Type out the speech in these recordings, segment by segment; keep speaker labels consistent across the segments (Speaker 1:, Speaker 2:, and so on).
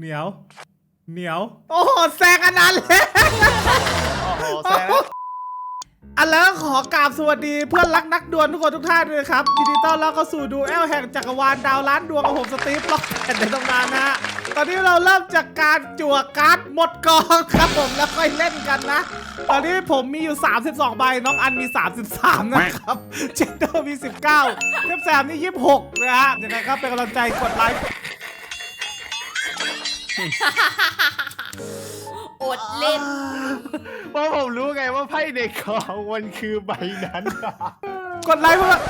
Speaker 1: เหนียวเหนียวโอ้โหแซงอันนั้นเลย
Speaker 2: โอ้โหแซง
Speaker 1: อันแล้วขอกราบสวัสดีเพื่อนรักนักดวลทุกคนทุกท่านด้วยครับยินดีต้อนรับเข้าสู่ดูแอลแห่งจักรวาลดาวล้านดวงของผมสตีฟล็อกแอนในตำนานนะฮะตอนนี้เราเริ่มจากการจั่วการ์ดหมดกองครับผมแล้วค่อยเล่นกันนะตอนนี้ผมมีอยู่32ใบน้องอันมี33นะครับเจนเดอร์มี19เทปแซมนี่26นะฮะยังไงครับเป็นกำลังใจกดไลค์
Speaker 3: อดเล่น
Speaker 2: เพราะผมรู้ไงว่าไพ่ในกองมันคือใบนั้น
Speaker 1: กดไลค์เพื่อน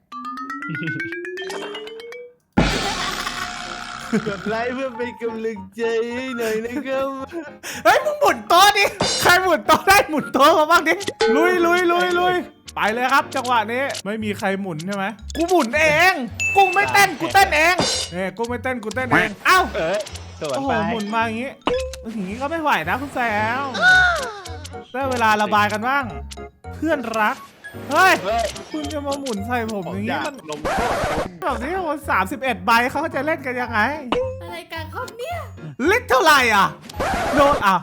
Speaker 2: กดไลค์เพื่อเป็นกำลังใจให้หน่อยนะครับ
Speaker 1: เฮ้ยมึงหมุนโต๊ะดิใครหมุนโต๊ะได้หมุนโต๊ะมาบ้างดิลุยไปเลยครับจังหวะนี้ไม่มีใครหมุนใช่ไหมกูหมุนเองกูไม่เต้นกูเต้นเองเนี่ยกูไม่เต้นกูเต้นเองเอ้า
Speaker 2: สวน
Speaker 1: โอ้โห
Speaker 2: ไป
Speaker 1: หมุนมาอย่างงี้อย่างงี้ก็ไม่ไหวนะคุณแซวได้เวลาระบายกันบ้างเพื่อนรักเฮ้ยคุณจะมาหมุนใส่ผมอย่างงี้มัน
Speaker 2: ลม
Speaker 1: แบบนี้คน31ใบเขาจะเล่นกันยังไง
Speaker 3: อะไรกันครับเนี่ย
Speaker 1: ลิตรเท่าไหร่อ่ะโดนอ่ะ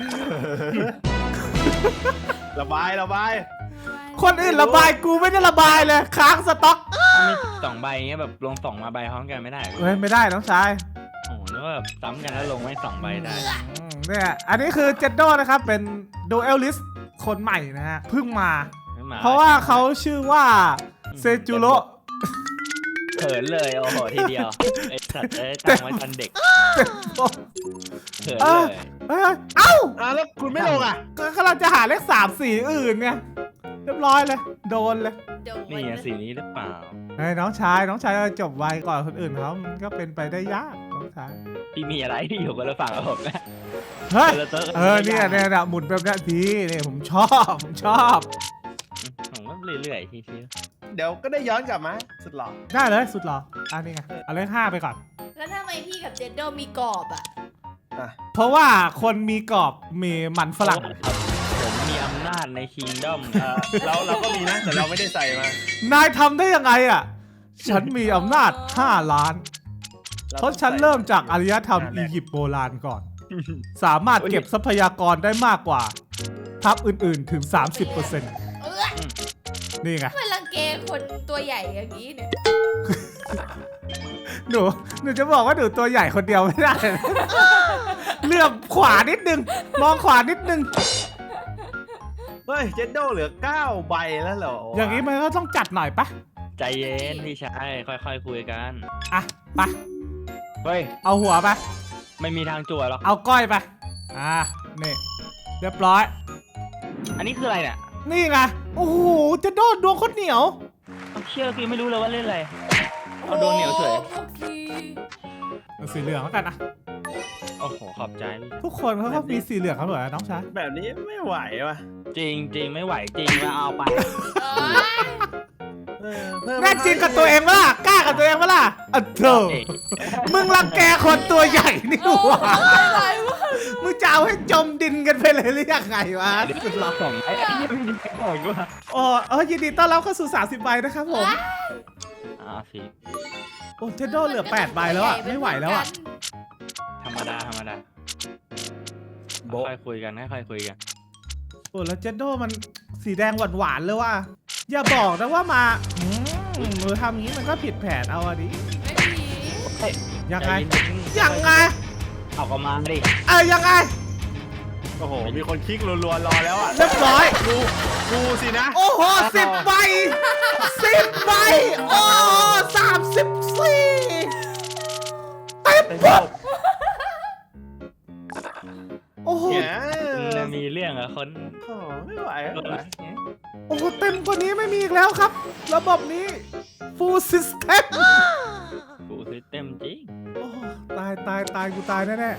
Speaker 2: ระบาย
Speaker 1: คนอื่นระบายกูไม่ได้ระบายเลยค้างสต็อก
Speaker 4: มี2 ใบเงี้ยแบบลง2มาใบพร้อมกันไม่ได้
Speaker 1: เฮ้ยไม่ได้น้องชาย
Speaker 4: โอ้โหนึกว่าแบบซ้ำกันแล้วลงไว้2 ใบได้
Speaker 1: เนี่ยอันนี้คือเจนโดนะครับเป็นดูเอลลิสคนใหม่นะฮะเพิ่งมา เพราะว่าเขาชื่อว่าเซจูโร
Speaker 4: เขินเลยโอ้โหทีเดียวไอ้สัตว์ตั้งไว้ตอนเด็กเขินเลย
Speaker 1: เอ้า
Speaker 2: แล้วคุณไม่ลงอ่ะ
Speaker 1: ก็กำลังจะหาเลข3 สีอื่นเนี่ยเรียบร้อยเลยโดนเลย
Speaker 3: เดี๋ยว
Speaker 4: นี่ไงสีนี้หรือเปล่า
Speaker 1: เฮ้ยน้องชายจบไวก่อนคนอื่นเขามันก็เป็นไปได้ยากน้องชาย
Speaker 4: พี่มีอะไรที่อยู่คนละฝั่งกับผมนะ
Speaker 1: เฮ้ย
Speaker 4: คนละโต๊ะ
Speaker 1: เนี่ยหมุนแบบนี้ดีเนี่ยผมชอบ
Speaker 4: ผมว่าเรื่อยๆที
Speaker 2: เดี๋ยวก็ได้ย้อนกลับมาสุดหล่อ
Speaker 1: ได้เลยสุดหรออันนี้ไงเอาเลข5ไปก่อน
Speaker 3: แล้วทำไมพี่กับเจนโดมีกรอบอ่ะ
Speaker 1: เพราะว่าคนมีกรอบมีมันฝรั่ง
Speaker 4: ครับผมมีอำนาจในคิงด้อม
Speaker 2: เราก็มีนะแต่เราไม่ได้ใส่มาน
Speaker 1: ายทำได้ยังไงอ่ะ ฉันมีอำนาจ5 ล้าน เพราะฉันเริ่มจากอารยธรรมอียิปต์โบราณก่อน สามารถเก็บทรัพยากรได้มากกว่าทัพอื่นๆถึง 30% นี่ไง
Speaker 3: ทำไมรังแกคนตัวใหญ่อย่างนี้เนี่ย
Speaker 1: หนูจะบอกว่าหนูตัวใหญ่คนเดียวไม่ได้นะ เลื่อมขวานิดนึง มองขวานิดนึง
Speaker 2: เฮ้ยเจนโดเหลือ9ใบแล้วเหรออ
Speaker 1: อย่างนี้มันก็ต้องจัดหน่อยปะ
Speaker 4: ใจเย็นพี่ชายค่อยๆคุยกัน
Speaker 1: อ่ะไป
Speaker 4: เฮ้ย
Speaker 1: เอาหัวไป
Speaker 4: ไม่มีทางจั่วหรอก
Speaker 1: เอาก้อยไปนี่เรียบร้อย
Speaker 4: อันนี้คืออะไรเนี่ย
Speaker 1: นี่ไง โอ้โห จะโดนดวงคนเหนียว
Speaker 4: เอาเชื่อคือไม่รู้เลยว่าเล่นอะไรเอาโดนเหนียวเฉย
Speaker 3: โอ้โห
Speaker 1: เอาสีเหลืองแล้วกันนะ
Speaker 4: โอ้โหขอบใจพี่
Speaker 1: ทุกคนเขาก็มีสีเหลืองเขาเหรอน้องชาย
Speaker 2: แบบนี้ไม่ไหวว่ะ
Speaker 4: จริงไม่ไหวจริงแล้วเอาไป
Speaker 3: เอ้ย
Speaker 1: แน่จริงกับตัวเองปะล่ะกล้ากับตัวเองปะล่ะเธอมึงรังแกคนตัวใหญ่นี่หว่า
Speaker 3: อะไรวะ
Speaker 1: มึงจะเอาให้จมดินกันไปเลยหรือยังไงวะ
Speaker 4: เดี๋ยวเราส่งไอ้ยังไม่ได้บอกว่า
Speaker 1: อ๋อยินดีต้อนรับเข้าสู่30 ใบนะครับผม
Speaker 4: สิ
Speaker 1: โอ้เทนโดเหลือ8 ใบแล้วอ่ะไม่ไหวแล้วอ่ะ
Speaker 4: ธรรมดาค่อยคุยกันค่อยคุยกัน
Speaker 1: โอ้แล้วเจนโดมันสีแดงหวานๆเลยว่ะอย่าบอกนะว่ามามือทำอย่างนี้มันก็ผิดแผนเอาอะดิ
Speaker 3: ไม่มี
Speaker 1: ยังไง
Speaker 4: ใจเย็นๆ
Speaker 1: ยังไง
Speaker 4: เอากระมาดิ
Speaker 1: ยังไง
Speaker 2: โอ้โหมีคนคลิกรัวๆรอแล้วอ่ะ
Speaker 1: เรียบร้อย
Speaker 2: กูสินะ
Speaker 1: โอ้โห10 ใบ10 ใบโอ้34เต็มปุ๊บโอ้โห
Speaker 2: เนี่ย
Speaker 4: มีเรื่องอะคน
Speaker 2: โอ้โหไม่ไหวไม่ไหว
Speaker 1: โอ้โหเต็มกว่านี้ไม่มีอีกแล้วครับ ระบบนี้ full system
Speaker 4: กูซิสเต็มจริง
Speaker 1: โอ้โหตายกูตายแน่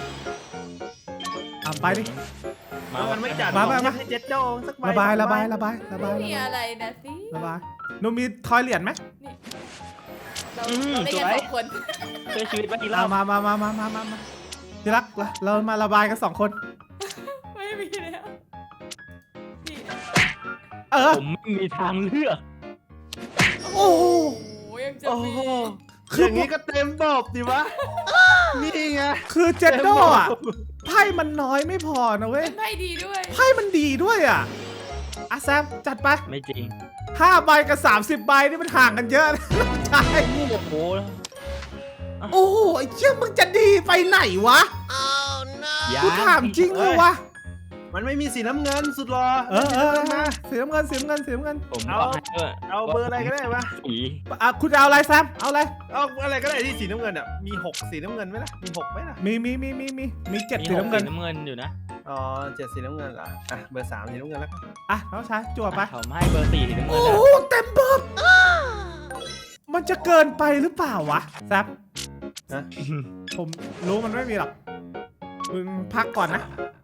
Speaker 1: ๆไปดิ
Speaker 2: มันไม่จัด
Speaker 1: มา
Speaker 2: ให้เจนโดสักใบ
Speaker 1: ระบาย
Speaker 3: ไม่มีอะไรนะสิ
Speaker 1: ระบายหนูมีทอยเหรียญไหม
Speaker 3: เราเล่นกันสองคน
Speaker 4: ช่วยชีวิตมากี่รอบ
Speaker 1: มาที่รักเรามาระบายกัน2 คน
Speaker 3: ไม่มีแล้วนี่
Speaker 4: ผมไม่มีทางเลือก
Speaker 1: โอ้โห
Speaker 3: โอ้ยังจะ
Speaker 2: โอ้
Speaker 3: มี
Speaker 2: โหอย่างนี้ก็เต็มบบดิวะนี่ไง
Speaker 1: คือเจนโดอ่ะไพ่มันน้อยไม่พอนะเว้ย
Speaker 3: เป็นไพ่ดีด้วย
Speaker 1: ไพ่มันดีด้วยอ่ะแซมจัดไป
Speaker 4: ไม่จริง
Speaker 1: 5 ใบกับ 30 ใบนี่มันห่างกันเยอะนะใช่
Speaker 4: โอ้โห
Speaker 1: โอ้โหไอ้เชี่ยมึงจะดีไปไหนวะ
Speaker 4: ยัง
Speaker 1: กูถามจริงเลยวะ
Speaker 2: มันไม่มีสีน้ำเงินสุดหรอ
Speaker 1: มา สีน้ำเงิน
Speaker 4: ผม
Speaker 2: เอา
Speaker 4: บอกให้ด้วย
Speaker 2: เอาเบอร์อะไรก็ได้ปะ
Speaker 4: สี
Speaker 1: คุณจะเอาอะไรแซม เอาอะไร
Speaker 2: เอาอะไรก็ได้ที่สีน้ำเงินอ่ะมี6สีน้ำเงินไหมล่ะมี6ไหมล่ะ
Speaker 1: มี7
Speaker 4: มี
Speaker 1: สีน้ำเงิน
Speaker 4: น้ำเงินอยู่นะ
Speaker 2: อ๋อ7สีน้ำเงินเหรออ่ะเบอร์3สีน้ำเงินแล้วกัน
Speaker 1: อ่ะน้องชายจั่วไป
Speaker 4: ผมให้เบอร์4สีน้ำเงิ
Speaker 1: โอ้
Speaker 4: นแล้ว
Speaker 1: โหเต็มบบ มันจะเกินไปหรือเปล่าวะแซม
Speaker 2: นะ
Speaker 1: ผมรู้มันไม่มีหรอก มึงพักก่อนนะ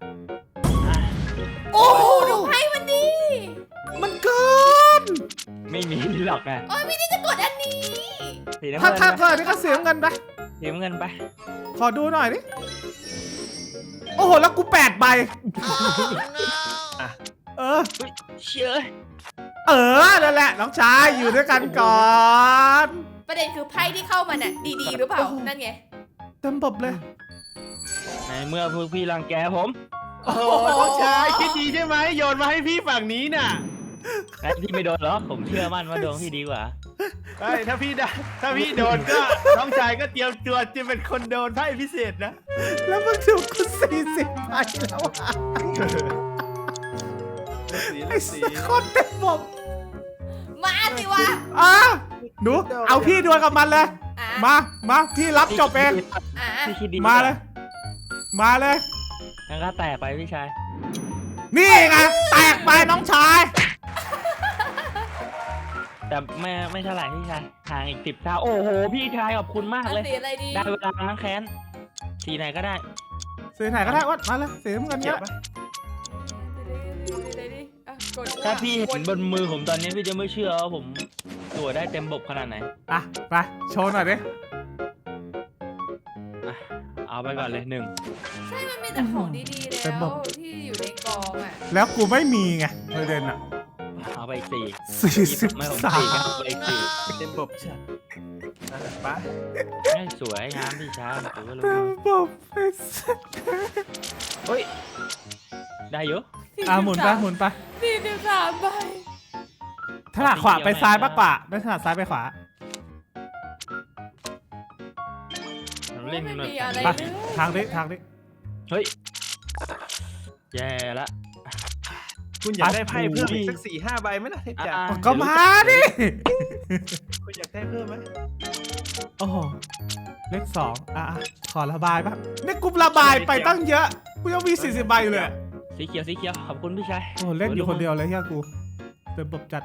Speaker 1: โอ้โห
Speaker 3: ดูไพ่มันดี
Speaker 1: มันเกิน
Speaker 4: ไม่มีหรอกนะ
Speaker 3: โอ้ยไม่ได้จะกดอันนี้
Speaker 4: สีน้ำ
Speaker 1: ถ้า
Speaker 4: เงิน
Speaker 1: ถ้า
Speaker 4: ไป
Speaker 1: เกินนี่ก็เสียเงินไป
Speaker 4: สีน้ำเงินไป
Speaker 1: ขอดูหน่อยดิ โอ้โห แล้วกู8 ใบ
Speaker 2: อ่ะ
Speaker 1: เออ
Speaker 4: อุ๊ยเชื่อ
Speaker 1: นั่นแหละ น้องชายอยู่ด้วยกันก่อน
Speaker 3: ประเด็นคือไพ่ที่เข้ามาน่ะดีๆหรือเปล่า
Speaker 1: โอ้โห
Speaker 3: นั่นไง
Speaker 1: เต็มบบเลย
Speaker 4: ในเมื่อพวกพี่รังแกผม
Speaker 2: โอ้โหต้องใช้คิดดีใช่ไหมโยนมาให้พี่ฝั่งนี้น่ะ
Speaker 4: แต่พี่ไม่โดนหรอกผมเชื่อมั่นว่าดวงพี่ดีกว่า
Speaker 2: ใช่ถ้าพี่โดนก็น้องชายก็เตรียมตัวจะเป็นคนโดนไพ่พิเศษนะ
Speaker 1: แล้วมึงถูกกู40 ใบแล้วอ่ะไอ้สัสโคตรเต็มบบ
Speaker 3: มาสิวะ
Speaker 1: อ่ะหนู เอาพี่ดวลกับมันเลย
Speaker 3: อ่ะ
Speaker 1: มาพี่รับจบเอง
Speaker 3: อ่ะ
Speaker 4: พี่คิดดี
Speaker 1: มาเลย มาเลย
Speaker 4: งั้นก็แตกไปพี่ชาย
Speaker 1: นี่ไง แตกไปน้องชาย
Speaker 4: แต่ไม่เท่าไหร่พี่ชายห่างอีก10 เท่าโอ้โหพี่ชายขอบคุณมาก
Speaker 3: อัน
Speaker 4: เลย
Speaker 3: สีอะไรดี
Speaker 4: ได้เวลาล้างแค้นสีไหนก็ได้
Speaker 1: สีไหนก็ได้วัดมาเลยสีน้ำเงิน
Speaker 2: เก็
Speaker 1: เนี้
Speaker 2: บ
Speaker 1: ย
Speaker 2: ปะ
Speaker 3: ดีๆอ่ะกด
Speaker 4: ถ้าพี่เห็น
Speaker 3: ก
Speaker 4: บ
Speaker 3: ด
Speaker 4: นมือผมตอนนี้พี่จะไม่เชื่อว่าผมตัวได้เต็มบบขนาดไหน
Speaker 1: อ่ะ ไป โชว์หน่อยดิ
Speaker 4: อ่ะเอาไปก่อนเลย1
Speaker 3: ใช่มันมีแต่ของดีๆแล้วที่อยู่ในกองอ่ะ
Speaker 1: แล้วกูไม่มีไงประเด็นอ่ะ
Speaker 4: เอาไปอีก4ไม่ผม4ครับเอาไปอีก4
Speaker 2: เต็มบบชัดอ่ะไป
Speaker 4: ให้สวยงามพี่ชายผมก็รู้
Speaker 1: เต็มบบไอ้สัส
Speaker 4: เฮ้ยได้เยอะ
Speaker 1: หมุนไปหมุนไป
Speaker 3: 43 ใบ
Speaker 1: ถนัดขวาไปซ้ายมากกว่าไม่ถนัดซ้ายไปขวา
Speaker 4: เล่น
Speaker 3: ไม่
Speaker 4: แบบ
Speaker 3: มีอะไร
Speaker 1: ไป
Speaker 3: เลย
Speaker 1: ทางนี้
Speaker 4: เฮ้ยแย่ละ
Speaker 2: คุณอยากได้ไพ่เพิ่มอีกสัก4-5 ใบไหมล่ะเทพจ่า
Speaker 1: ก็มาดิ
Speaker 2: คุณอยากได้เพิ่มไหม
Speaker 1: โอ้โห เลข 2 ขอระบายบ้างนี่กูระบายไปตั้งเยอะ กูยังมี40 ใบอยู่เลย
Speaker 4: สีเขียวขอบคุณพี่ชาย
Speaker 1: โอ้โหเล่นอยู่คนเดียวเลยเฮียกูเต็มบบจัด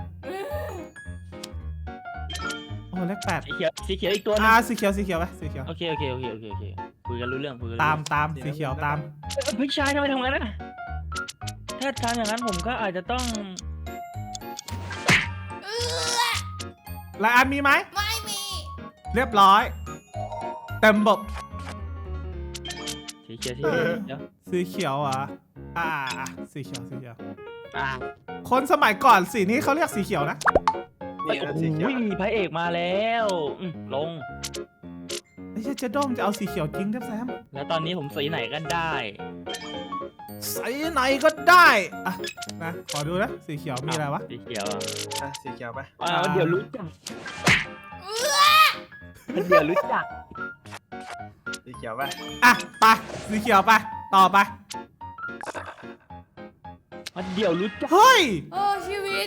Speaker 1: โอ้โหเลข 8
Speaker 4: สีเขียวอีกตัวนึง
Speaker 1: สีเขียวไปสีเขียว
Speaker 4: โอเคคุยกันรู้เรื่องคุยกัน
Speaker 1: ตามสีเขียวตาม
Speaker 4: พี่ชายทำไมทำงั้นน่ะถ้าทำอย่างนั้นผมก็อาจจะต้อง
Speaker 1: รายอันมีไหม
Speaker 3: ไม่มี
Speaker 1: เรียบร้อย เต็มบบ
Speaker 4: สีเขียว
Speaker 1: สีเขียวอ่ะสีเขียว
Speaker 4: อ่า
Speaker 1: คนสมัยก่อนสีนี้เขาเรียกสีเขียวนะ
Speaker 2: นี่
Speaker 4: โอ้
Speaker 2: นะ
Speaker 4: โห
Speaker 2: สีเขียว
Speaker 4: พระเอกมาแล้วลง
Speaker 1: ไอ้เจ๊ด้อมจะเอาสีเขียวจริงครับแซม
Speaker 4: แล้วตอนนี้ผมสีไหนก็ได้
Speaker 1: สีไหนก็ได้อ่ะนะขอดูนะสีเขียวมีอะไรวะ
Speaker 4: สีเขียว
Speaker 2: อ่ะสีเขียวไป
Speaker 4: เดี๋ยวรู้จักเดี๋ยวรู้จัก
Speaker 2: สีเขียวไป
Speaker 1: อ่ะไปสีเขียวไปต่อไป
Speaker 4: เดี๋ยวรู้จัก
Speaker 1: เฮ้ย
Speaker 3: โอ้ชีวิต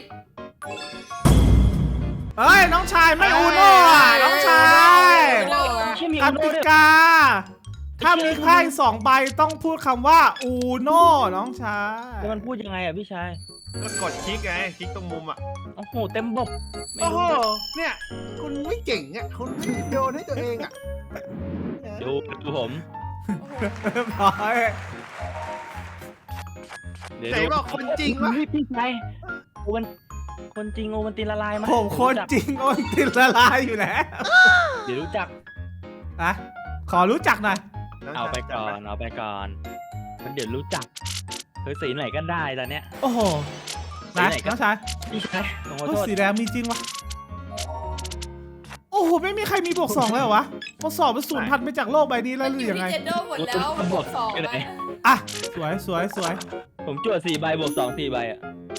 Speaker 1: เฮ้ยน้องชายไม่อูโน่อ่ะน้องชาย
Speaker 4: ใช่มี
Speaker 1: ก
Speaker 4: อุโน่
Speaker 1: ติ
Speaker 4: ด้วย
Speaker 1: กา ถ้ามีไพ่2 ใบต้องพูดคำว่าอูโน่น้องชาย
Speaker 4: แล้วมันพูดยังไงอ่ะพี่ชาย
Speaker 2: ก็กดคลิกไงคลิกตรงมุมอ่ะ
Speaker 4: โอ้โหเต็มบบไม่
Speaker 2: โอ้โห
Speaker 4: รู้
Speaker 2: เนี่ย คุณไม่เก่งอ่ะคุณโดนให้ตัวเองอ่ะ
Speaker 4: ดูผม
Speaker 1: เรียบร้อย
Speaker 4: เดี๋ยว
Speaker 2: ไหน
Speaker 4: ดู
Speaker 2: บอกคนจริงวะ
Speaker 4: พี่ชายโอวันคนจริงโอวันตินละลายมา
Speaker 1: ผมคนจริงโอนติดละลายอยู่แล้ว
Speaker 4: เดี๋ยวรู้จัก
Speaker 1: อ่ะขอรู้จักหน่อย
Speaker 4: เอาไปก่อนมันเดี๋ยวรู้จักเฮ้ยสีไหนก็ได้ตอนเนี้ย
Speaker 1: โอ้โห
Speaker 4: สี
Speaker 1: นะ
Speaker 4: ไหนก็
Speaker 1: น้องชาย
Speaker 4: พี่ชายผมขอ
Speaker 1: โอ้
Speaker 4: โทษ
Speaker 1: สีแดงมีจริงวะโอ้โหไม่มีใครมีบวก 2เลยเหรอวะทดสอบมันสูญพันธุ์ไปจากโลกใบนี้แล้วหรือยังไง
Speaker 3: เจนโดหมดแล้วบวก2แล้ว
Speaker 1: อ่ะสวย
Speaker 4: ผมจวด4 ใบบวก 2 4 ใบอ่ะ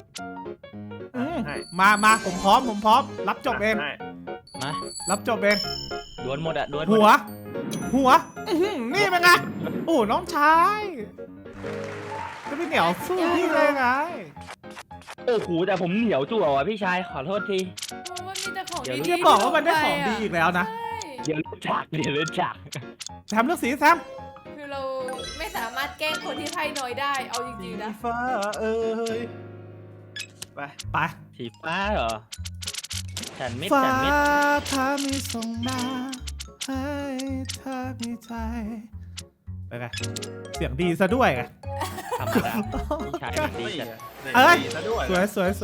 Speaker 1: มาผมพร้อมรับจบเอง
Speaker 2: ให้
Speaker 4: มา
Speaker 1: รับจบเอง
Speaker 4: ดวลหมดอ่ะดวล
Speaker 1: หัวอื้อหือนี่เป็นไงโอ้น้องชายจะไม่เหนียวสู้พี่เลยไง
Speaker 4: โอ้โหแต่ผมเหนียวจั่วว่ะพี่ชายขอโทษที
Speaker 3: มันมีแต่ของ
Speaker 4: เดี๋ยว
Speaker 3: ดี
Speaker 1: จะบอกว่ามันได้ของดีอีกแล้วนะ
Speaker 4: เดี๋ยวรู้จัก
Speaker 1: แซมเลือกสีแซม
Speaker 3: คือเราไม่สามารถแกล้งคนที่ไพ่น้อยได้เอาจริงๆนะ
Speaker 2: ฟ้าเอ้ยไป
Speaker 1: ไป
Speaker 4: สีฟ้าเหรอฉันมิด
Speaker 1: ฟ้า
Speaker 4: ฉันมิด
Speaker 1: ถ้ามีส่งมาให้เธอมีใจไปไงเสียงดีซะด้วยไง
Speaker 4: ธรรมดาพี่ชายมันดีจัด
Speaker 1: เอ้ย
Speaker 2: ซะด้วย
Speaker 1: สวย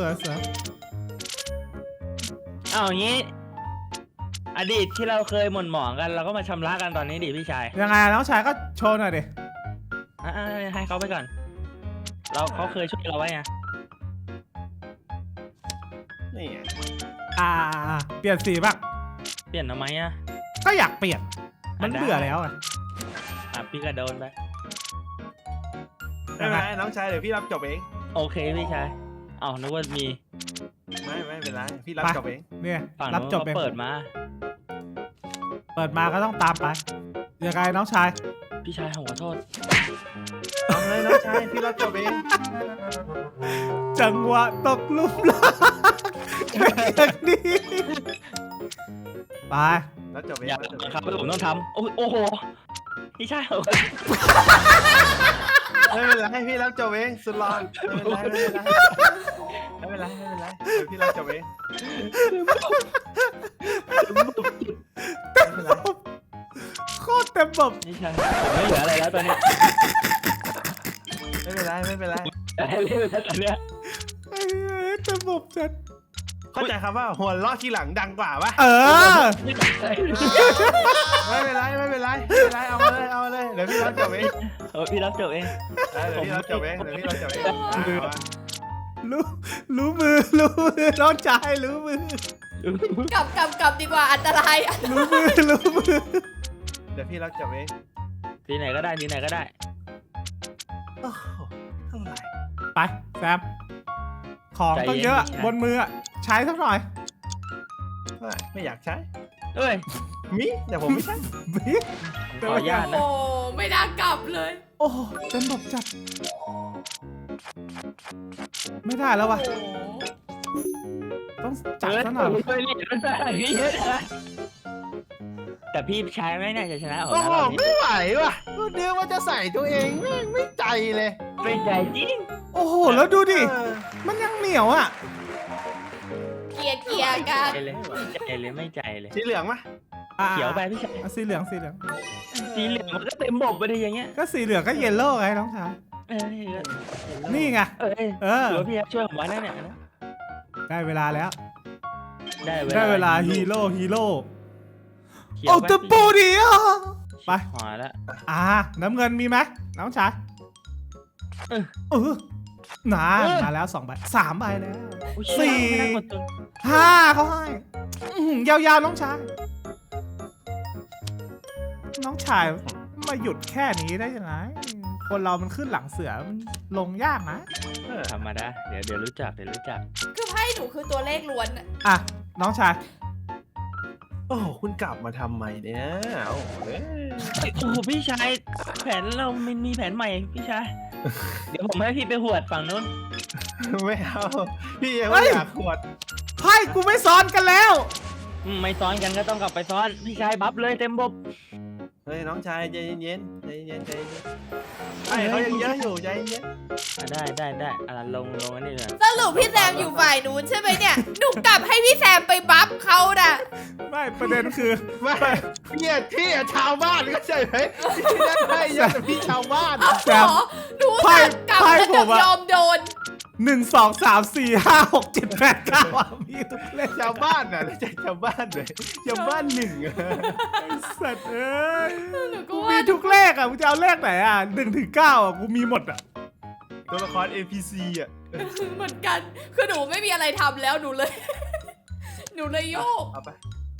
Speaker 4: เอาอย่างนี้ อดีตที่เราเคยหม่นหมองกันเราก็มาชำระกันตอนนี้ดิพี่ชาย
Speaker 1: ยังไงน้องชายก็โชว์หน่อยดิ
Speaker 4: อ่ะให้เขาไปก่อนเขาเคยช่วยเราไว้ไง
Speaker 2: นี่ไง
Speaker 1: เปลี่ยนสีบ้าง
Speaker 4: เปลี่ยนทำไมอ่ะ
Speaker 1: ก็อยากเปลี่ยนมันเบื่อแล้วอ่ะ
Speaker 4: พี่ก็โดนไป
Speaker 2: ไม่เป็นไรน้องชายเดี๋ยวพี่รับจบเอง
Speaker 4: โอเคพี่ชายเอ้านึกว่ามี
Speaker 2: ไม่เป็นไรพี่รับจบเอง
Speaker 1: เนี่ย
Speaker 4: ฝั่ง
Speaker 1: รับ
Speaker 4: นู้น
Speaker 1: จบ
Speaker 4: เขา
Speaker 1: เอง
Speaker 4: เปิดมา
Speaker 1: เปิดมาก็ต้องตามไปยังไงน้องชาย
Speaker 4: พี่ชายขอโทษ
Speaker 2: เอาเลยน้องชายพี่รับจบเอง
Speaker 1: จังหวะตกหลุมรักอย่างนี้ไป
Speaker 2: รับจบเอง
Speaker 4: อย่าบังคับให้ผมต้องทำโอ้โหพี่ชายขอโทษ
Speaker 2: ไม่เป็นไรพี่รับจบเองสุดหล่อไม่เป็นไรเดี๋ยวพี่รับจบเองไม่เป็นไร
Speaker 1: โคตรเต็มบบ
Speaker 4: พี่ชายผมไม่เหลืออะไรแล้วตอนนี้
Speaker 2: ไม่เป็นไร
Speaker 4: แต่ให้เล่นแล้วตอนเนี้ย
Speaker 1: เต็มบบจัด
Speaker 2: เข้าใจครับว่าหัวเราะทีหลังดังกว่าปะ
Speaker 1: เออ
Speaker 2: ไม่เป็นไรเอาเลยเดี๋ยวพี่รับจบเอง
Speaker 4: พี่รับจบเอง
Speaker 2: เดี๋ยวพี่รับจบเอง
Speaker 1: รู้มือน้องชายรู้มือก
Speaker 3: ลับดีกว่าอันตราย
Speaker 1: รู้มือ
Speaker 2: เดี๋ยวพี่รับจบเอง
Speaker 4: ทีไหนก็ได้
Speaker 2: โอ้โหเท่าไหร่
Speaker 1: ไปแซมของต้องเยอะบนมือใช้สักหน่อย
Speaker 2: ไม่อยากใช้
Speaker 4: เอ้ย
Speaker 2: มิแต่ผมไม่ใช่
Speaker 1: บิ๊ก
Speaker 4: ขออนุญาตนะ
Speaker 3: โอ้ไม่น่ากลับเลย
Speaker 1: โอ้เต็มบบจัดไม่ได้แล้ววะ
Speaker 3: โอ้
Speaker 1: ต้องจัดซะหน่อย
Speaker 4: แต่พี่ชายไม่น่าจะชนะออก
Speaker 2: โอ้
Speaker 4: นะ
Speaker 2: โห
Speaker 4: รอบนี้
Speaker 2: ไม่ไหวว่ะก็เดี๋ยวว่าจะใส่ตัวเองไม่ใจเลย
Speaker 4: เป็นใจจริง
Speaker 1: โอ้โหแล้วดูดิมันยังเหนียวอ่ะ
Speaker 3: เกียร์กัน
Speaker 4: ไม่ใจเลย
Speaker 2: สีเหลืองมะ
Speaker 4: เขียวไปพี่ชาย
Speaker 1: สีเหลือง
Speaker 4: สีเหลืองมันก็เต็มบบไปเลยอย่างเงี้ย
Speaker 1: ก็สีเหลืองก็เยลโล่ไงน้องชาย นี่ไง
Speaker 4: เออหรือว่าพี่ช่วยผมไว้นะเนี่ย
Speaker 1: ได้เวลาแล้ว
Speaker 4: ได้เวลา
Speaker 1: ฮีโร่
Speaker 4: เขียว
Speaker 1: โอ้
Speaker 4: ไป
Speaker 1: ตะปูดิอ่ะไป
Speaker 4: หอแล้ว
Speaker 1: น้ำเงินมีไหมน้องชายมาแล้ว2 ใบ 3 ใบแล้ว สี่ 5เขาให้ยาวๆน้องชายมาหยุดแค่นี้ได้ยังไงคนเรามันขึ้นหลังเสือมันลงยากนะ
Speaker 4: ธรรมดาเดี๋ยวรู้จัก
Speaker 3: คือไพ่หนูคือตัวเลขล้วนอะ
Speaker 1: อ่ะน้องชาย
Speaker 2: โอ้โหคุณกลับมาทำไมเนี่ยโอ้โห
Speaker 4: โอ้โหพี่ชายแผนเรามันมีแผนใหม่พี่ชายเดี๋ยวผมให้พี่ไปหวดฝั่งนู้น
Speaker 2: ไม่เอาพี่ยังไม่อยากขวด
Speaker 1: ไพ่กูไม่ซ้อนกันแล้ว
Speaker 4: ไม่ซ้อนกันก็ต้องกลับไปซ้อนพี่ชายบัฟเลยเต็มบบ
Speaker 2: เฮ้ยน้องชายใจเย็นไอ้เขายังเยอะอยู่ใจเย็น
Speaker 4: ได้ลงอันนี้เลย
Speaker 3: สรุปพี่แซมอยู่ฝ่ายนู้นใช่ไหมเนี่ยหนูกลับให้พี่แซมไปบัฟเขาน่ะ
Speaker 1: ไม่ประเด็นคือ
Speaker 2: ไม่พี่ชาวบ้านก็ใช่ไหมพี่นั่นไม่เยอะแต่พี่ชาวบ้าน
Speaker 1: แซม
Speaker 3: หนูสั่งกลับแล้วจะยอมโดน
Speaker 1: 1 2 3 4 5 6 7 8 9อ่ะมีทุกเลข
Speaker 2: ชาวบ้านน่ะไม่ใช่ชาวบ้านเลยชาวบ้านหนึ่งอะ
Speaker 1: ไอ้สัตว์เอ้ย
Speaker 3: หนูก็
Speaker 1: กู
Speaker 3: ว่า
Speaker 1: มีทุกเลขอ่ะกูจะเอาเลขไหนอ่ะ1 ถึง 9อ่ะกูมีหมดอ่ะ
Speaker 2: ตัวละคร NPC อ่ะ
Speaker 3: เหมือนกันคือหนูไม่มีอะไรทำแล้วหนูเลย หนูเลยโยก
Speaker 2: เอาไป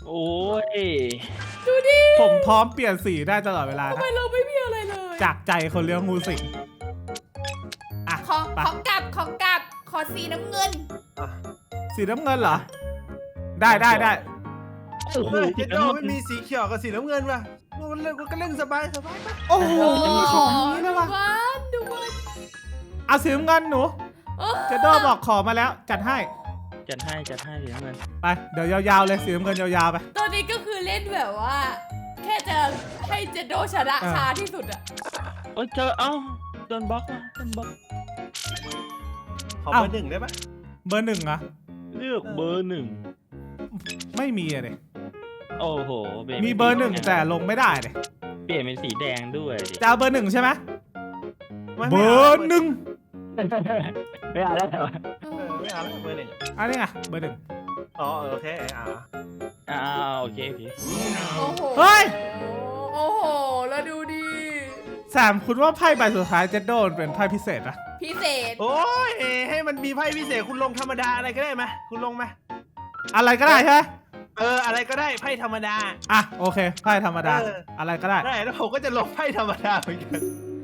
Speaker 4: โอ้ย
Speaker 3: ดูดิ
Speaker 1: ผมพร้อมเปลี่ยนสีได้ตลอดเวลา
Speaker 3: ทำ
Speaker 1: นะ
Speaker 3: ไมเราไม่มีอะไรเลย
Speaker 1: จากใจคนเลี้ยงงูสิงอ่ะ
Speaker 3: ขอกลับขอสีน้ำเงิน
Speaker 1: สีน้ำเงินเหรอ ได้
Speaker 4: โอ้โห
Speaker 2: เจ๊โดไม่มีสีเขียวกับสีน้ำเงินป่ะมันก็เล่นสบายไป
Speaker 1: โอ้โหมีของนี้ด้วยวะ
Speaker 3: ดูมัน
Speaker 1: เอาสีน้ำเงินหนูเจโดบอกขอมาแล้วจัดให้
Speaker 4: จัดให้เหรียญเงิน
Speaker 1: ไปเดี๋ยวยาวๆเลยสีน้ำเงินยาวๆไป
Speaker 3: ตอนนี้ก็คือเล่นแบบว่า แค่จะให้เจโดชนะช้าที่สุดอะ
Speaker 4: โอ้ยเจอเอ้าโดนบล็อกว่ะโดนบล็อก
Speaker 2: ขอเบอร์หนึ่งได้ปะ
Speaker 1: เบอร์หนึ่งอะ
Speaker 4: เลือกเบอร์หนึ่ง
Speaker 1: ไม่มีอะเลย
Speaker 4: โอ้โหปลี่ยน
Speaker 1: มีเบอร์หนึ่งแต่ลงไม่ได้เลย
Speaker 4: เปลี่ยนเป็นสีแดงด้วยดิ
Speaker 1: จะเอาเบอร์หนึ่งใช่ไหม
Speaker 2: ไม่
Speaker 1: เบอร์หนึ่ง
Speaker 4: ไม่เอาแล้วเหรอ
Speaker 2: ไม่เอาแล้วเบอร์หนึ่ง
Speaker 1: อันนี้ไงเบอร์หนึ่ง
Speaker 2: อ๋อโอเค
Speaker 4: โอเค
Speaker 3: โอ้โห
Speaker 1: เฮ้ย
Speaker 3: โอ้โหแล้วดูดิ
Speaker 1: แซมคุณว่าไพ่ใบสุดท้ายเจโดนเป็นไพ่พิเศษอะ
Speaker 3: พิเศษ
Speaker 2: โอ้ยให้มันมีไพ่พิเศษคุณลงธรรมดาอะไรก็ได้ไหมคุณลงไหม
Speaker 1: อะไรก็ได้ใช่ไหม
Speaker 2: อะไรก็ได้ไพ่ธรรมดา
Speaker 1: อ่ะโอเคไพ่ธรรมดา อะไรก็ได้
Speaker 2: ได้แล้วผมก็จะลงไพ่ธรรมดาเหมือนกัน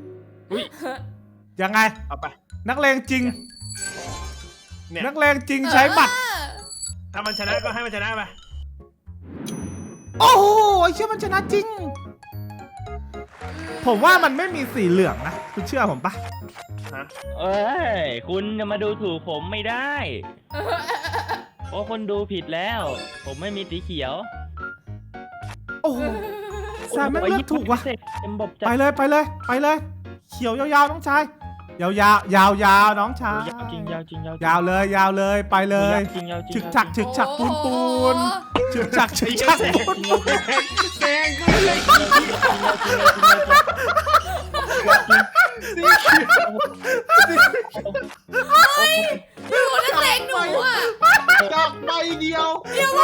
Speaker 1: ยังไง
Speaker 2: เอาไป
Speaker 1: นักเลงจริง
Speaker 2: เนี่ย
Speaker 1: นักเลงจริงใช้หมัด
Speaker 2: ถ้ามันชนะก็ให้มันชนะไป
Speaker 1: โอ้โหเชื่อมันชนะจริง ผมว่ามันไม่มีสีเหลืองนะ คุณเชื่อผมปะ
Speaker 2: ฮะ
Speaker 4: เอ้ยคุณจะมาดูถูกผมไม่ได้เพราะคนดูผิดแล้ว ผมไม่มีสีเขียว
Speaker 1: โอ้โหแซมไม่งเลือกถูกว่ะ
Speaker 4: เต็มบบจัด
Speaker 1: ไปเลย เขียวยาวๆน้องชาย ยาวๆน้องชาย
Speaker 4: ยาวจริง
Speaker 1: ยาวเลยไปเลย
Speaker 4: จริงยาวจริง
Speaker 1: ฉึกฉักปูนฉึกฉักปูน
Speaker 2: แซงก็เลย
Speaker 3: ดูนักเลงหนูอ่ะ
Speaker 2: ดอกใบเดียว
Speaker 3: เดี๋ยวว่า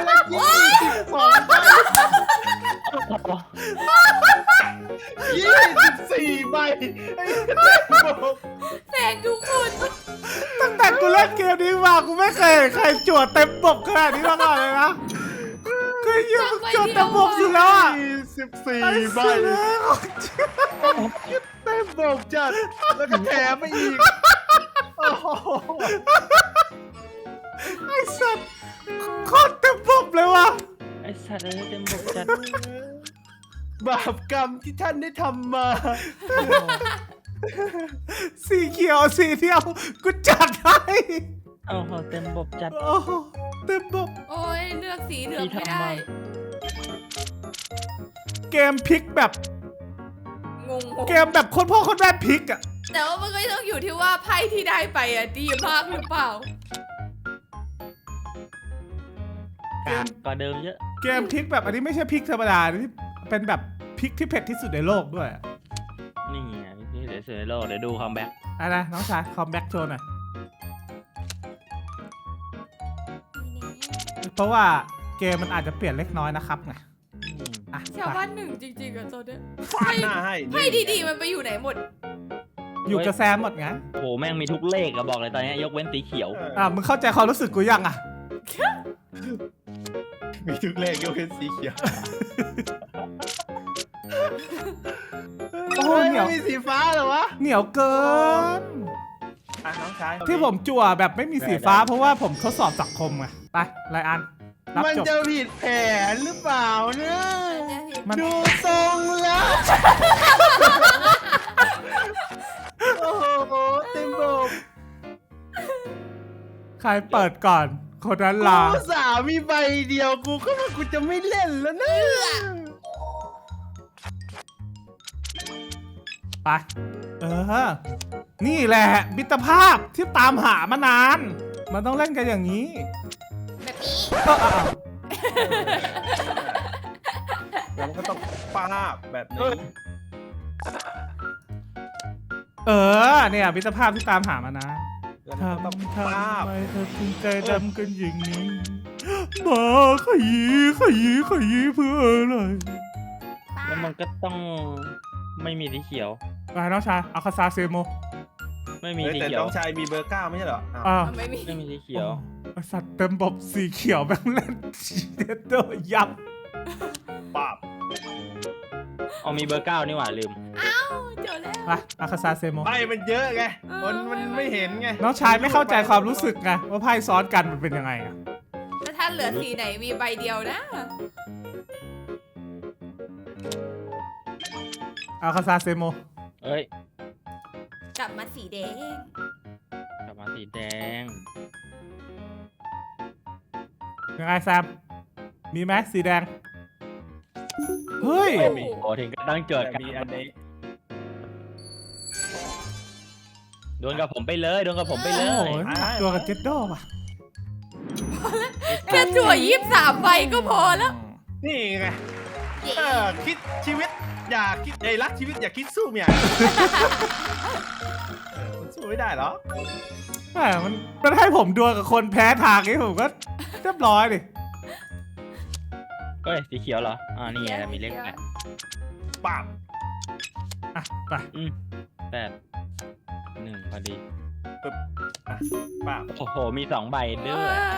Speaker 2: 24 ใบไอ้
Speaker 3: แสงทุกคน
Speaker 1: ตั้งแต่กูเล่นเกมนี้มากูไม่เคยเห็นใครจวดเต็มบกขนาดนี้มาก่อนเลยนะเคยยิงจวดเต็มบกสุดแล้วอ่ะ
Speaker 2: 24 ใบเต็มบบจัดแล้วก็แถมไปอีกโอ้โห
Speaker 1: ไอ้สัตว์โคตรเต็มบกเลยว่ะ
Speaker 4: ไอ้สัตว์เลยเต็มบบจัด
Speaker 2: บาปกรรมที่ท่านได้ทำมา
Speaker 1: สีเขียวสีเดียวกูจัดให้
Speaker 4: โอ้โหเต็มบบจัด
Speaker 1: โอ้โหเต็มบก
Speaker 3: โอ้ยเลือกสีเหลือง
Speaker 4: ที่
Speaker 3: ไม่
Speaker 4: ทำ
Speaker 3: ได้
Speaker 4: มา
Speaker 1: เกมพลิกแบบ
Speaker 3: งง
Speaker 1: เกมแบบคนพ่อคนแม่พลิกอ่ะ
Speaker 3: แต่ว่ามันก็ต้องอยู่ที่ว่าไพ่ที่ได้ไปอ่ะดีมากหรือเปล่า
Speaker 4: ก็เดิมเยอะ
Speaker 1: เกมพลิกแบบอันนี้ไม่ใช่พลิกธรรมดาที่เป็นแบบพลิกที่เผ็ดที่สุดในโลกด้วยอะ
Speaker 4: นี่ไงพี่เสือโลกเดี๋ยวดูคัมแบ็ก
Speaker 1: อะไรนะน้องชายคอมแบ็กโชว์หน่อยเพราะว่าเกมมันอาจจะเปลี่ยนเล็กน้อยนะครับไงอ่ะ
Speaker 3: ชาว
Speaker 1: ไป
Speaker 3: บ้านหนึ่งจริงๆอะตัวเนี้ย
Speaker 2: ฟาดหน้าให้
Speaker 3: ไพ่ดีๆมันไปอยู่ไหนหมด
Speaker 1: อยู่กับแซมหมดไง
Speaker 4: โหแม่งมีทุกเลขอะบอกเลยตอนนี้ยกเว้นสีเขียว
Speaker 1: มึงเข้าใจความรู้สึกกูยังอ่ะ
Speaker 2: มีทุกเลขยกเว้นสีเขียว
Speaker 1: โอ้โหเหนียว
Speaker 2: ไม่มีสีฟ้าเหรอวะ
Speaker 1: เหนียวเกิน
Speaker 2: น้องชาย
Speaker 1: ที่ผมจั่วแบบไม่มีสีฟ้าเพราะว่าผมทดสอบสังคมไงไปไลอันรับ
Speaker 2: มัน
Speaker 1: จบ
Speaker 2: จะผิดแผนหรือเปล่าเนี่ย
Speaker 1: มัน
Speaker 2: ดูทรงแล้ว โอ้โหเต็มบบ
Speaker 1: ใครเปิดก่อนคนนั้นลา
Speaker 2: กูสามีใบเดียวกูก็ว่ากูจะไม่เล่นแล้วนะ
Speaker 1: ไปนี่แหละมิตรภาพที่ตามหามานาน มันต้องเล่นกันอย่างนี้
Speaker 3: แบบนี้
Speaker 2: แล้วมันก็ต้องฟาบแบบนี้
Speaker 1: เนี่ยมิตรภาพที่ตามหามานาน
Speaker 2: แล้วมันก็ต้อง
Speaker 1: ทำ
Speaker 2: ฟาบ
Speaker 1: ไมเธอถึงใจดำกันอย่างนี้มาขยี้เพื่ออะไร
Speaker 4: แล้วมันก็ต้องไม่มีสีเขียว
Speaker 1: ไปน้องชายเอาคาซาเซโม
Speaker 4: ไม่มี
Speaker 2: เฮ้ย
Speaker 4: สี
Speaker 2: แต่
Speaker 4: เขียว
Speaker 2: น้องชายมีเบอร์ 9ไม่ใช่เหรออ้าว
Speaker 1: อ้าว
Speaker 3: ไม่มี
Speaker 4: ไม่มีสีเขียว
Speaker 1: ไอ้สัตว์เต็มบบสีเขียวแม่งเล่นเดดโดยับ
Speaker 2: ป้าบ
Speaker 4: เอามีเบอร์ 9นี่หว่าลืม
Speaker 3: เจอแล้ว
Speaker 1: ไปอาคาซาเซโม
Speaker 2: ไพ่มันเยอะไงมันไม่เห็นไง
Speaker 1: น้องชายไม่เข้าใจความรู้สึกไงว่าไพ่ซ้อนกันมันเป็นยังไงอะ
Speaker 3: แล้วถ้าเหลือสีไหนมีใบเดียวนะ
Speaker 1: อาคาซาเซโม
Speaker 4: เอ้ย
Speaker 3: กลับมาสีแดง
Speaker 4: กลับมาสีแดง
Speaker 1: ยังไงแซมมีไหมสีแดงเฮ้ย
Speaker 2: ไม่มี
Speaker 4: โอ้ถึงก็ตั้งเกิด
Speaker 2: แต่
Speaker 4: กัน
Speaker 2: มีอันนี้
Speaker 4: โดนกับผมไปเลยโดนกับผมไปเล
Speaker 1: โอ้
Speaker 4: ย
Speaker 1: ยตัวกับเจ็ดโดป่ะ
Speaker 3: แค่จั่ว23ใบก็พอแล้ว
Speaker 2: นี่ไง
Speaker 3: เย้
Speaker 2: คิดชีวิตอย่าคิดรักชีวิตอย่าคิดสู้เมียมันสู้ไม่ได้เหรอ
Speaker 1: แหมมันให้ผมดวลกับคนแพ้ทางนี้ผมก็เรียบร้อยดิ
Speaker 4: เอ้ยสีเขียวเหรอนี่ไงมีเลข
Speaker 2: ป้าบ
Speaker 1: อ่ะไป
Speaker 4: 8 1พอดี
Speaker 2: ปึ๊บป้าบ
Speaker 4: โอ้โหมี2 ใบด้วย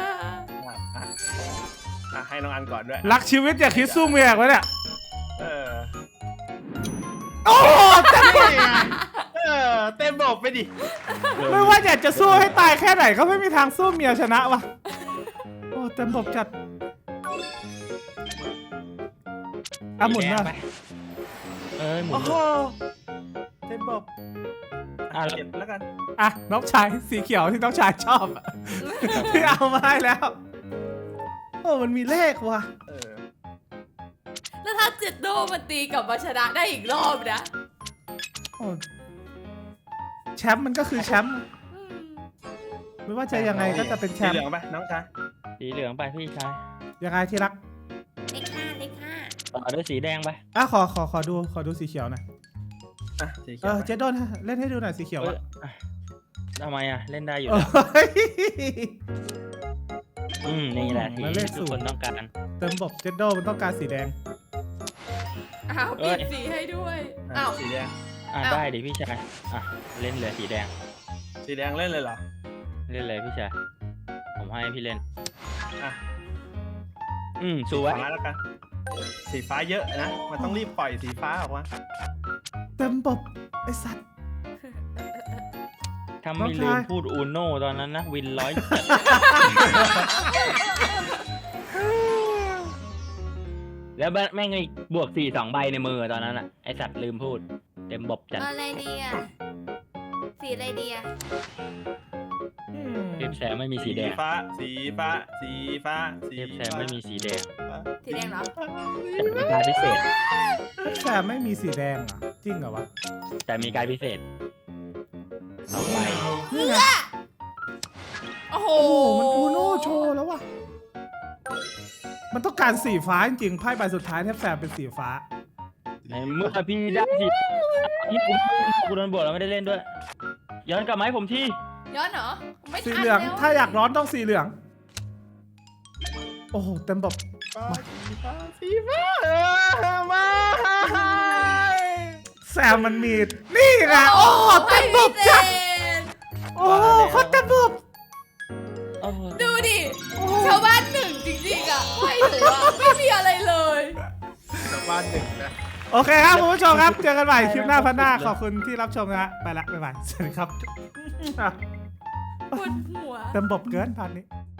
Speaker 2: ให้น้องอันก่อนด้วย
Speaker 1: รักชีวิตอย่าคิดสู้เมียไว้เนี่ย
Speaker 2: เออ
Speaker 1: โอ้เต็ม
Speaker 2: นี่ไงเต็มบอกไปดิ
Speaker 1: ไม่ว่าอยากจะสู้ให้ตายแค่ไหนก็ไม่มีทางสู้เมียชนะว่ะโอ้เต็มบบจัดอ่ะหมุนมา
Speaker 4: สีแดงไปหมุ
Speaker 2: โอ้
Speaker 4: น
Speaker 2: โหเต็มบอก
Speaker 4: แล้ว
Speaker 2: เก็บแล้วกัน
Speaker 1: อ่ะน้องชายสีเขียวที่น้องชายชอบอะที่เอามาให้แล้วโอ้มันมีเลขว่ะ
Speaker 3: แล้วถ้าเจ็ดโดมันตีกลับมาชนะได้อีกรอบนะ
Speaker 1: โอ้แชมป์มันก็คือแชมป์ไม่ว่าจะยังไงก็จะเป็นแช
Speaker 2: สี
Speaker 1: ม
Speaker 2: เห
Speaker 1: ป์
Speaker 2: ลืองไปน้องชาย
Speaker 4: สีเหลืองไปพี่ชาย
Speaker 1: ยังไงที่รัก
Speaker 3: เลขห้าเลขห้า
Speaker 4: ต่อด้วยสีแดงไป
Speaker 1: อ่ะขอดูสีเขียวหน่อย
Speaker 2: สีเขี
Speaker 1: เอ
Speaker 2: ยว
Speaker 1: อเจดโดนเล่นให้ดูหน่อยสีเขียว
Speaker 4: เอ้
Speaker 1: อะ
Speaker 4: ยทำไมเล่นได้อยู่
Speaker 1: โอ้
Speaker 4: แล้ว
Speaker 1: ย
Speaker 4: นี่แหละ
Speaker 1: มาเล
Speaker 4: ที่
Speaker 1: ข
Speaker 4: ทุกคน
Speaker 1: 0
Speaker 4: ต้องการ
Speaker 1: เต็มบบเจดโดมันต้องการสีแดง
Speaker 3: อ้าวเปลี่ยนสีให้ด้วยอ้าว
Speaker 2: สีแดง
Speaker 4: ได้ดิพี่ชายเล่นเลยสีแดง
Speaker 2: สีแดงเล่นเลยเหรอ
Speaker 4: เล่นเลยพี่ชายผมให้พี่เล่น
Speaker 2: อ่ะ
Speaker 4: สวย
Speaker 2: ฟ้าแล้วกันสีฟ้าเยอะนะมันต้องรีบปล่อยสีฟ้าออกมา
Speaker 1: เต็มบบไอสัตว์
Speaker 4: ถ้าไม่ลืมพูดอูโน่ตอนนั้นนะวินร้อยแล้วแม่งอีกบวก4 2 ใบในมือตอนนั้นไอสัตว์ลืมพูด เต็มบบจัด
Speaker 3: อะไรดีอ่ะสีอะไรดีอ่ะ
Speaker 4: เทพแซมไม่มีสีแดง
Speaker 2: ฟ้าสีฟ้าสีฟ้าสี
Speaker 4: เทพแซมไม่มีสีแดง
Speaker 3: สีแดงเหรอ
Speaker 4: แต่มีการพิเศษ
Speaker 1: แซมไม่มีสีแดงเหรอจริงเหรอวะ
Speaker 4: แต่มีการพิเศษ2 ใบ
Speaker 1: นี่ไง
Speaker 3: โอ้โห
Speaker 1: โอ้มันอูโน่โชว์แล้วว่ะมันต้องการสีฟ้าจริงๆไพ่ใบสุดท้ายแทบแซมเป็นสีฟ้า
Speaker 4: ในเมื่อพี่ได้สิที่กูโดนบวกแล้วไม่ได้เล่นด้วย ย้อนกลับมาให้ผมที่
Speaker 3: ย้อนเหรอไม่ทัน
Speaker 1: สีเหลือง
Speaker 3: แล้ว
Speaker 1: ถ้าอยากร้อนต้องสีเหลือง โอ้โหเต็มบบ
Speaker 2: สีฟ้ามา
Speaker 1: แซมมันมีนี่ไงโอ้เต็มบบจัด
Speaker 3: ไม่เสร็จ
Speaker 1: โอ้โคตรเต็มบบ
Speaker 4: โอ้โห
Speaker 3: ดูดิชาวบ้านหนึ่งจริงๆอ่ะไม่ถือว่าไม่มีอะไรเลย
Speaker 2: ชาวบ้านหนึ่งนะ
Speaker 1: โอเคครับคุณผู้ชมครับเจอกันใหม่คลิปหน้าพันหน้าขอบคุณที่รับชมนะฮะไปละบ๊ายบายสวัสดีครับ
Speaker 3: ปวดหัว
Speaker 1: เต็มบบเกินพันนี้